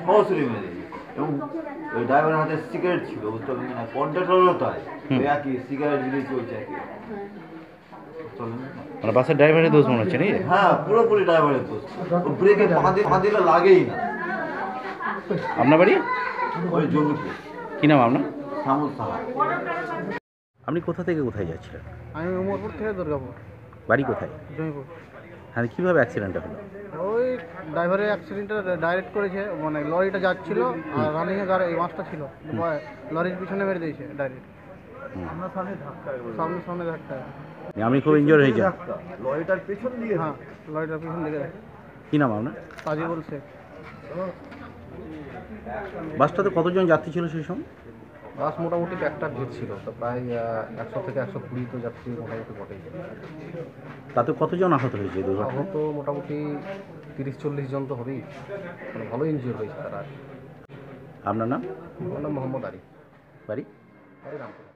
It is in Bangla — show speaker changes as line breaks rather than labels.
সরাসরি মেরে দিয়েছে। এবং ওই ড্রাইভারের হাতে সিগারেট ছিল, বুঝতে পারলেন না, কন্ট্রাক্টরও তাই, ওই একই সিগারেট দিলেই চলছে একই।
মানে বাসের ড্রাইভারের দোষ মনে হচ্ছে নাকি?
হ্যাঁ, পুরোপুরি ড্রাইভারের দোষ। ও ব্রেকে পা দিলে লাগেই না।
আপনার বাড়ি
ওই জমিপুর।
কী নাম আপনার?
শ্যামল সাহা।
আপনি কোথা থেকে কোথায় যাচ্ছিলেন?
আমি উমরপুর থেকে দুর্গাপুর।
বাড়ি কোথায়?
জমিপুর।
হ্যাঁ, কীভাবে অ্যাক্সিডেন্টটা হলো?
ওই ড্রাইভারের অ্যাক্সিডেন্টটা ডাইরেক্ট করেছে, মানে লরিটা যাচ্ছিল আর রানিংয়ে গাড়ি এই মাছটা ছিল, লরির পিছনে মেরে দিয়েছে ডাইরেক্ট। সামনে ধাক্কা।
আপনি খুব ইনজোর হয়েছে?
লরিটার পেছন দিয়ে।
হ্যাঁ, লরিটার পিছন দিকে।
কী নাম আপনার?
তাজিবুল শেখ।
বাসটাতে কতজন যাত্রী ছিল সেই সময়?
বাস মোটামুটি একটা ভিড় ছিল, তো প্রায় 100 থেকে 120 তো যাত্রী মোটামুটি বটেই।
তাতে কতজন আহত হয়েছে এই দুর্ঘটনায়?
আহত মোটামুটি 30-40 জন তো হবেই, মানে ভালো ইনজিওর হয়েছে তারা।
আপনার নাম?
আমার নাম মোহাম্মদ আরিফ।
বাড়ি?
রামপুর।